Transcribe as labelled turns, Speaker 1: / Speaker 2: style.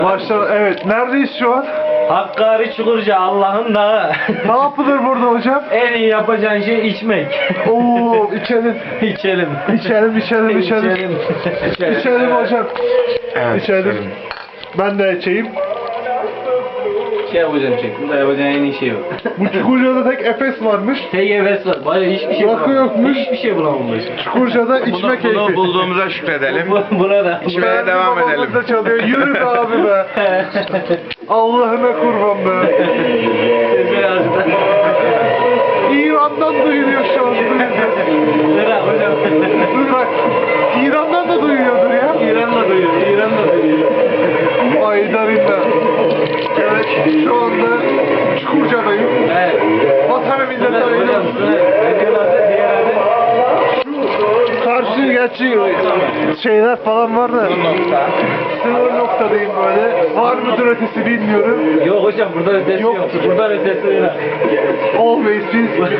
Speaker 1: Başlar, evet. Neredeyiz şu an?
Speaker 2: Hakkari Çukurca Allah'ın dağı.
Speaker 1: Ne yapılır burada hocam?
Speaker 2: En iyi yapacağın şey içmek.
Speaker 1: Oo, içelim.
Speaker 2: İçelim.
Speaker 1: İçelim. İçelim hocam.
Speaker 3: Evet,
Speaker 1: İçelim. Ben de içeyim.
Speaker 2: Şey yapacağım çek. Bunda yapacağın en iyi şey o.
Speaker 1: Bu Çukurca'da tek Efes varmış.
Speaker 2: TGV'si var. Bayağı hiçbir şey
Speaker 1: Rakı
Speaker 2: bulamadım.
Speaker 1: yokmuş.
Speaker 2: Hiçbir şey bulamamış.
Speaker 1: Çukurca'da içme keyfi.
Speaker 3: Bunu bulduğumuza şükredelim.
Speaker 2: Buna da.
Speaker 3: İçmeye
Speaker 1: Beğendim,
Speaker 3: devam
Speaker 1: babamız
Speaker 3: edelim.
Speaker 1: da çalıyor. Yürü be abi be. Allah'ına kurban be.
Speaker 2: Sesi ağzına.
Speaker 1: İran'dan duyuluyor şu an.
Speaker 2: Sıra hocam.
Speaker 1: Dur bak. İran'dan da duyuluyordur ya.
Speaker 2: İran'da duyuyor. İran'da duyuyor.
Speaker 1: Aydarında. Evet, şu anda Çukurca'dayım.
Speaker 2: Evet.
Speaker 1: Vatan millet
Speaker 2: Hocam
Speaker 1: ayırıyor.
Speaker 2: ne diyorlardı? Diğerlerde.
Speaker 1: Karşı gerçi şeyler falan var da. Sınır noktadayım böyle. Var mıdır ötesi bilmiyorum.
Speaker 2: Yok hocam burada ötesi
Speaker 1: Yok.
Speaker 2: yok. Burada ötesi yok.
Speaker 1: Always biz